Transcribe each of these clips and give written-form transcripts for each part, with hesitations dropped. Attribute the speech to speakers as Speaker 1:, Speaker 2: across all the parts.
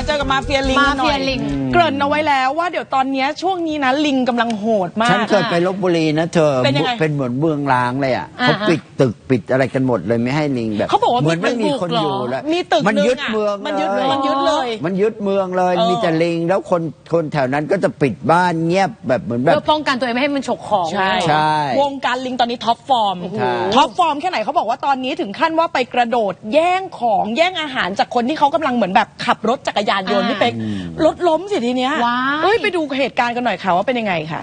Speaker 1: เจอกับมาเฟียลิงหน่อยเกริ่นเอาไว้แล้วว่าเดี๋ยวตอนนี้ช่วงนี้นะลิงกำลังโหดมาก
Speaker 2: ฉันเคยไปลพบุรีนะเธอเป็นเหมือนเมืองร้างเลยอ่ะเขาปิดตึกปิดอะไรกันหมดเลยไม่ให้ลิงแบบ
Speaker 1: เขาบอกว่า
Speaker 2: เหมือนไม่มีคนอยู่แล้ว
Speaker 1: มีตึก
Speaker 2: มันยึดเมือง
Speaker 1: มันยึดเลยมันยึด
Speaker 2: เมืองเลยมีแต่ลิงแล้วคนแถวนั้นก็จะปิดบ้านเงียบแบบเหมือนแบบ
Speaker 3: เพื่อป้องกันตัวเองไม่ให้มันฉกของ
Speaker 2: ใช่
Speaker 1: วงการลิงตอนนี้ท็อปฟอร์มแค่ไหนเขาบอกว่าตอนนี้ถึงขั้นว่าไปกระโดดแย่งของแย่งอาหารจากคนที่เขากำลังเหมือนแบบขับรถจักรยานยนต์นี่เป็นรถล้มสิทีเนี้ยไปดูเหตุการณ์กันหน่อยค่ะว่าเป็นยังไงค่ะ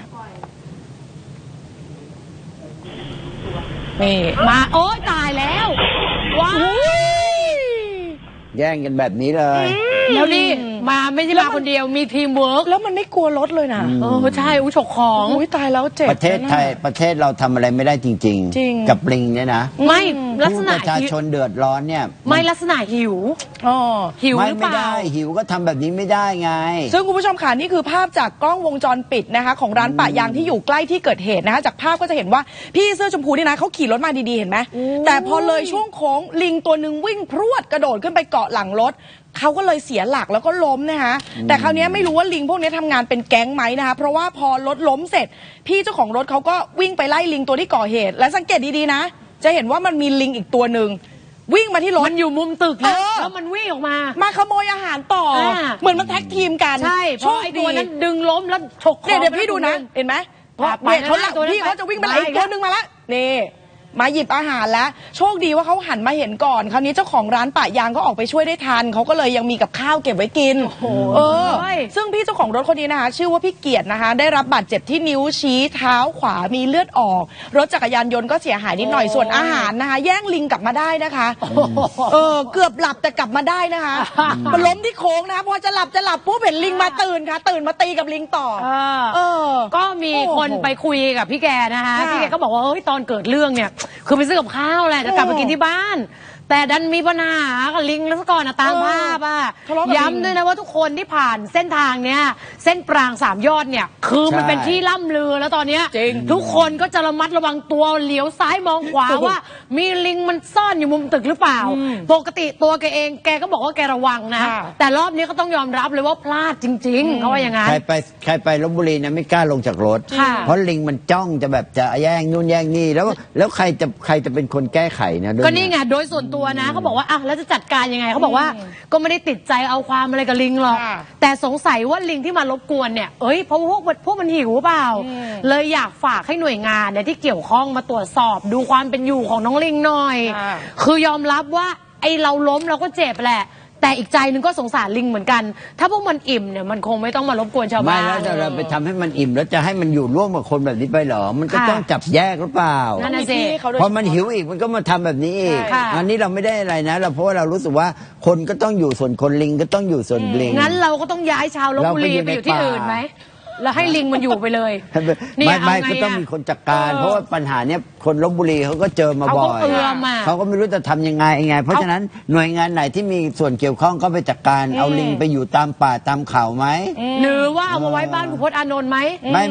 Speaker 1: นี่
Speaker 3: มาโอ้ตายแล้วว้าว
Speaker 2: แย่งกันแบบนี้เลย
Speaker 3: แล้วนี่มาไม่ใช่มาคนเดียวมีทีมเวิร์ก
Speaker 1: แล้วมันไม่กลัวรถเลยนะ
Speaker 3: ใช่ฉกของ
Speaker 1: ตายแล้วเจ็บ
Speaker 2: ประเทศไทยประเทศเราทำอะไรไม่ได้จริงๆกับลิงเนี่ยนะ
Speaker 3: ไม่ลักษณะ
Speaker 2: ประชาชนเดือดร้อนเนี่ย
Speaker 3: ไม่ลักษณะหิวหิวหรือเปล่า
Speaker 2: ไม่ได้หิวก็ทำแบบนี้ไม่ได้ไง
Speaker 1: ซึ่งคุณผู้ชมค่ะนี่คือภาพจากกล้องวงจรปิดนะคะของร้านปะยางที่อยู่ใกล้ที่เกิดเหตุนะคะจากภาพก็จะเห็นว่าพี่เสื้อชมพูนี่นะเขาขี่รถมาดีๆเห็นไหมแต่พอเลยช่วงโค้งลิงตัวหนึ่งวิ่งพรวดกระโดดขึ้นไปเกาะหลังรถเขาก็เลยเสียหลักแล้วก็ล้มนะคะแต่คราวนี้ไม่รู้ว่าลิงพวกนี้ทำงานเป็นแก๊งไหมนะคะเพราะว่าพอรถล้มเสร็จพี่เจ้าของรถเขาก็วิ่งไปไล่ลิงตัวที่ก่อเหตุและสังเกตดีๆนะจะเห็นว่ามันมีลิงอีกตัวหนึ่งวิ่งมาที่รถ
Speaker 3: มันอยู่มุมตึกแล้วมันวิ่งออกมา
Speaker 1: ขโมยอาหารต่อเหมือนมันแท็กทีมกัน
Speaker 3: ใช่เพราะไอ้ตัวนั้นดึงล้มแล้วฉก
Speaker 1: เดี๋ยวพี่ดูนะเห็นไหมพี่เขาจะวิ่งไปไล่อีกตัวหนึ่งมาแล้วนี่มาหยิบอาหารแล้วโชคดีว่าเขาหันมาเห็นก่อนคราวนี้เจ้าของร้านปะยางก็ออกไปช่วยได้ทันเขาก็เลยยังมีกับข้าวเก็บไว้กินซึ่งพี่เจ้าของรถคนนี้นะคะชื่อว่าพี่เกียรตินะคะได้รับบาดเจ็บที่นิ้วชี้เท้าขวามีเลือดออกรถจักรยานยนต์ก็เสียหายนิดหน่อยส่วนอาหารนะคะแย่งลิงกลับมาได้นะคะเกือบหลับแต่กลับมาได้นะคะมันล้มที่โค้งนะคะพอจะหลับปุ๊บเห็นลิงมาตื่นค่ะตื่นมาตีกับลิงต่อ
Speaker 3: ก็มีคนไปคุยกับพี่แกนะคะพี่แกก็บอกว่าตอนเกิดเรื่องเนี่ยคือไปซื้อกับข้าวแหละจะกลับมากินที่บ้านแต่ดันมีปัญหากับลิงแล้วก่อนตามภาพย้ำด้วยนะว่าทุกคนที่ผ่านเส้นทางเนี้ยเส้นปราง3 ยอดเนี่ยคือมันเป็นที่ล่ำลือแล้วตอนเนี้ยทุกคนก็จะระมัดระวังตัวเหลียวซ้ายมองขวาว่ามีลิงมันซ่อนอยู่มุมตึกหรือเปล่าปกติตัวแกเองแกก็บอกว่าแกระวังนะแต่รอบนี้ก็ต้องยอมรับเลยว่าพลาดจริงๆเขาว่าอย่างนั้น
Speaker 2: ใครไปลพบุรีนะไม่กล้าลงจากรถเพราะลิงมันจ้องจะแบบจะแย่งนู่นแย่งนี่แล้วใครจะเป็นคนแก้ไขนะ
Speaker 3: ก็นี่ไงโดยส่วนตัวนะเขาบอกว่าแล้วจะจัดการยังไงเขาบอกว่าก็ไม่ได้ติดใจเอาความอะไรกับลิงหรอกแต่สงสัยว่าลิงที่มารบกวนเนี่ยเพราะพวกมันหิวเปล่าเลยอยากฝากให้หน่วยงานเนี่ยที่เกี่ยวข้องมาตรวจสอบดูความเป็นอยู่ของน้องลิงหน่อยคือยอมรับว่าไอเราล้มเราก็เจ็บแหละแต่อีกใจนึงก็สงสารลิงเหมือนกันถ้าพวกมันอิ่มเนี่ยมันคงไม่ต้องมารบกวนชาวบ้าน
Speaker 2: ไม่แล้วเราไปทำให้มันอิ่มแล้วจะให้มันอยู่ร่วมกับคนแบบนี้ไปเหรอมันก็ต้องจับแยกหรือเปล่า
Speaker 3: นั่นสิ
Speaker 2: พอมันหิวอีกมันก็มาทำแบบนี้อีกอันนี้เราไม่ได้อะไรนะเพราะว่าเรารู้สึกว่าคนก็ต้องอยู่ส่วนคนลิงก็ต้องอยู่ส่วนลิง
Speaker 3: งั้นเราก็ต้องย้ายชาวลพบุรีไปอยู่ที่อื่นไหมแล้วให้ลิงมันอยู่ไปเลย
Speaker 2: ไม่ก็ต้องมีคนจัดการเพราะว่าปัญหาเนี้ยคนลพบุรีเขาก็เจอมาบ่อยเขาก็ไม่รู้จะทำยังไงเพราะฉะนั้นหน่วยงานไหนที่มีส่วนเกี่ยวข้องก็ไปจัดการเอาลิงไปอยู่ตามป่าตามเขาไหม
Speaker 3: หรือว่าเอามาไว้บ้านคุณพจน์อานนท์ไหม
Speaker 2: ไม่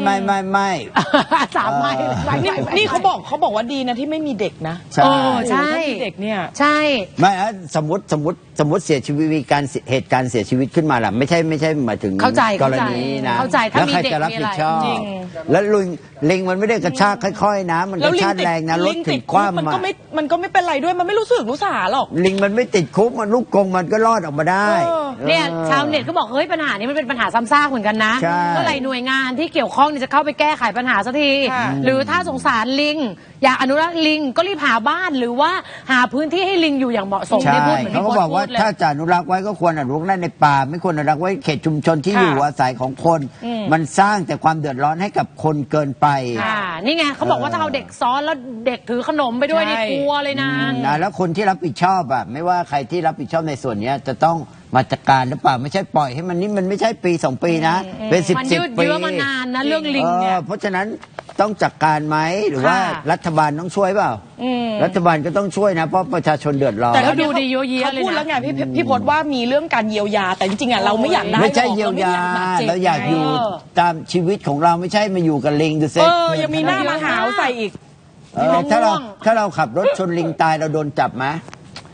Speaker 3: 3 ไม้
Speaker 1: นี่เขาบอกว่าดีนะที่ไม่มีเด็กนะ
Speaker 3: ใช่
Speaker 1: เด็กเนี่ย
Speaker 3: ใช่
Speaker 2: ไม่สมมติเสียชีวิตมีการเหตุการณ์เสียชีวิตขึ้นมาล่ะไม่ใช่หมายถึงกรณีนะแล้วใครจะรับผิดชอบแล้วลิงมันไม่ได้กระชากค่อยๆนะมันกระชากแรงนะรถถึงคว่ำ
Speaker 1: มันก็ไม่เป็นไรด้วยมันไม่รู้สึกรู้สาหรอก
Speaker 2: ลิงมันไม่ติดคุกมันลูกกรงมันก็รอดออกมาได้
Speaker 3: เนี่ยชาวเน็ตก็บอกปัญหานี้มันเป็นปัญหาซ้ำซากเหมือนกันนะเมื่อไหร่หน่วยงานที่เกี่ยวข้องจะเข้าไปแก้ไขปัญหาสักทีหรือถ้าสงสารลิงอยากอนุรักษ์ลิงก็รีบหาบ้านหรือว่าหาพื้นที่ให้ลิงอยู่อย่างเหมาะสม
Speaker 2: ที่พูดเหมือนที่เขาบอกว่าถ้าจะอนุรักษ์ไว้ก็ควรอนุรักษ์ในป่าไม่ควรอนุรักษ์ไว้เขตชุมชนที่อยู่อาศัยของคนมันสร้างแต่ความเดือดร้อนให้กับคนเกินไป
Speaker 3: นี่ไงเขาบอกว่าถ้าเอาเด็กซ้อนแล้วเด็กถือขนมไปด้วยนี่กลัวเลยนะ
Speaker 2: แล้วคนที่รับผิดชอบไม่ว่าใครที่รับผิดชอบในส่วนนี้จะต้องมาจัดการหรือเปล่าไม่ใช่ปล่อยให้มันนี่มันไม่ใช่ปี2 ปีนะเป็น10 ปี
Speaker 3: มันยืดเยื้อมานานนะเรื่องลิงเนี่ย
Speaker 2: เพราะฉะนั้นต้องจัดการไหมหรือว่ารัฐบาลต้องช่วยเปล่ารัฐบาลก็ต้องช่วยนะเพราะประชาชนเดือดร้อน
Speaker 3: แต่เขาดูดีเยอะแยะ
Speaker 1: เลยนะเขาพูดแล้วไงพี่พจน์ว่ามีเรื่องการเยียวยาแต่จริงๆเราไม่อยากได้
Speaker 2: ไม่ใช่เยียวยาเราอยากอยู่ตามชีวิตของเราไม่ใช่มาอยู่กับลิงดูสิ
Speaker 1: ยังมีหน้ามาหาวใส่อีก
Speaker 2: ถ้าเราขับรถชนลิงตายเราโดนจับไหม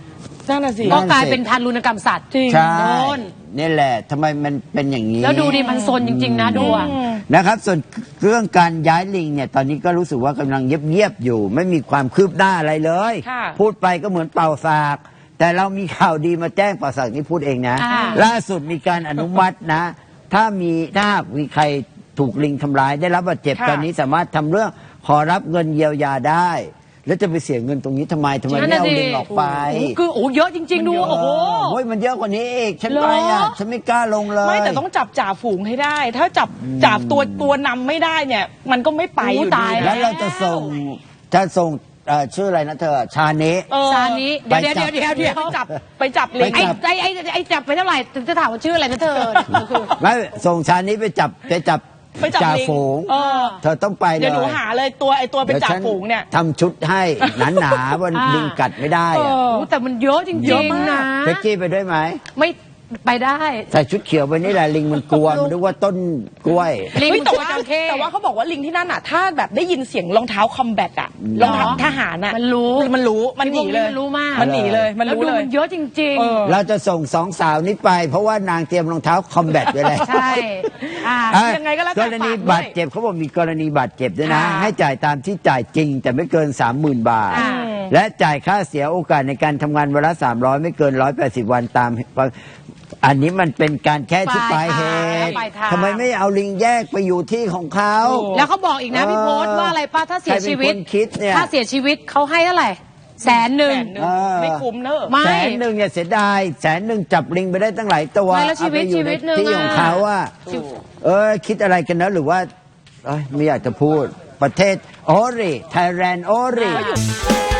Speaker 1: นั่นน่ะสิ
Speaker 3: ก็กลายเป็นทารุณกรรมสัตว์
Speaker 1: จริง
Speaker 2: ใช่
Speaker 3: โดน
Speaker 2: นี่แหละทำไมมันเป็นอย่างนี้
Speaker 3: แล้วดูดิมันซนจริง ๆ นะดูอะ
Speaker 2: นะครับส่วนเรื่องการย้ายลิงเนี่ยตอนนี้ก็รู้สึกว่ากำลังเงียบๆอยู่ ไม่มีความคืบหน้าอะไรเลย
Speaker 1: ค่ะ
Speaker 2: พูดไปก็เหมือนเป่าสาก แต่เรามีข่าวดีมาแจ้งเป่าสากนี่พูดเองนะ
Speaker 3: อ่า
Speaker 2: ล่าสุดมีการอนุมัตินะ ถ้าหากมีใครถูกลิงทำร้ายได้รับบาดเจ็บ
Speaker 1: ค่ะ
Speaker 2: ตอนนี้สามารถทำเรื่องขอรับเงินเยียวยาได้ แล้วจะไปเสียเงินตรงนี้ทำไมไม่เอาลิงออกไป
Speaker 3: คือโอ้เยอะจริง ๆ ดูโอ้โห
Speaker 2: โอ้ยมันเยอะกว่านี้อีกฉัน
Speaker 3: เหรอ
Speaker 2: ไปอ่ะฉันไม่กล้าลงเลย
Speaker 1: ไม่แต่ต้องจับจ่าฝูงให้ได้ ถ้าจับตัวนำไม่ได้เนี่ย มันก็ไม่ไปอยู่
Speaker 3: ตาย
Speaker 1: ดี
Speaker 2: แล้วเราจะส่งชื่ออะไรนะเธอชาเนะ
Speaker 3: ซานี้เดี๋ยว
Speaker 2: ไปจับ
Speaker 3: เดี๋ยว
Speaker 1: ไปจับลิง
Speaker 2: ไปจับ
Speaker 3: ไอ้จับไปเท่าไหร่จะถามว่าชื่ออะไรนะเธอ
Speaker 2: ไม่ส่งชาเนะไปจับ
Speaker 1: ไปจับ
Speaker 2: จ่า
Speaker 1: ลิง
Speaker 2: ฝูง
Speaker 1: เออ
Speaker 2: เธอต้องไปเลย
Speaker 1: เดี๋ยวหนูหาเลยไอตัวเป็นจ่าฝูงเนี่ย
Speaker 2: ทำชุดให้หนาๆว่าลิงกัดไม่ได้อะ
Speaker 1: เออ
Speaker 3: โอ้แต่มันเยอะจ
Speaker 1: เย
Speaker 3: ริ
Speaker 1: อะ
Speaker 3: ง
Speaker 1: มาก
Speaker 3: ๆนะ
Speaker 2: เป๊กกี้ไปด้วยไหม
Speaker 3: ไม่ไปได้
Speaker 2: ใส่ชุดเขียวไปนี่แหละลิงมันกลัวมันนึกว่าต้นกล้วย
Speaker 3: ลิง
Speaker 1: เฮ้ยแต่
Speaker 3: ตัว
Speaker 1: ว่า
Speaker 3: จระเข้
Speaker 1: แต่ว่าเขาบอกว่าลิงที่นั่นอ่ะ ถ้าแบบได้ยินเสียงรองเท้าคอมแบทอ่ะรองเท้าทหารอ่ะ
Speaker 3: มันรู้
Speaker 1: มันหนีเลย
Speaker 3: มันรู้มาก
Speaker 1: มันหนีเลยมัน
Speaker 3: แล้ว
Speaker 1: รู้
Speaker 3: ดู
Speaker 1: เลย
Speaker 3: มันเยอะจริง
Speaker 1: เออ
Speaker 2: เราจะส่งสองสาวนี้ไป เพราะว่านางเตรียมรองเท้าคอมแบทไว้แล้ว
Speaker 3: ๆ ใช่อ่า
Speaker 2: อ่ะ
Speaker 1: ยังไงก็แล้วแต่
Speaker 2: กรณี
Speaker 1: ฝากด้วย
Speaker 2: บาดเจ็บเขาบอกมีกรณีบาดเจ็บด้วยนะ
Speaker 1: ค่ะ
Speaker 2: ให้จ่ายตามที่จ่ายจริง แต่ไม่เกิน 30,000 บาท
Speaker 3: อ่า
Speaker 2: และจ่ายค่าเสียโอกาสในการทำงานวันละ300 ไม่เกิน 180 วันตาม อันนี้มันเป็นการแค่ที่ปลายเหตุ
Speaker 3: ปลายทาง
Speaker 2: ทำไมไม่เอาลิงแยกไปอยู่ที่ของเขา
Speaker 3: แล้วเขาบอกอีกนะพี่โพสต์ว่าอะไรป้าถ้าเสียชีวิต
Speaker 2: ใครเป็นคนคิดเนี่ย
Speaker 3: ถ้าเสียชีวิตเขาให้เท่าไหร่100,000
Speaker 1: แสนหนึ่ง
Speaker 2: เออ
Speaker 1: ไม่คุ้มเนอะ
Speaker 3: ไม่
Speaker 2: 100,000เนี่ยเสียดาย100,000จับลิงไปได้ตั้งหลายตัว
Speaker 3: ไม่แล้วชีวิต
Speaker 2: เอาไปอยู่
Speaker 3: ชีวิตหนึ่
Speaker 2: ใน
Speaker 3: ง
Speaker 2: ที่ของเขาอะคิดอะไรกันนะหรือว่าเอ้ยไม่อยากจะพูดประเทศโอริไทยแลนด์โอริ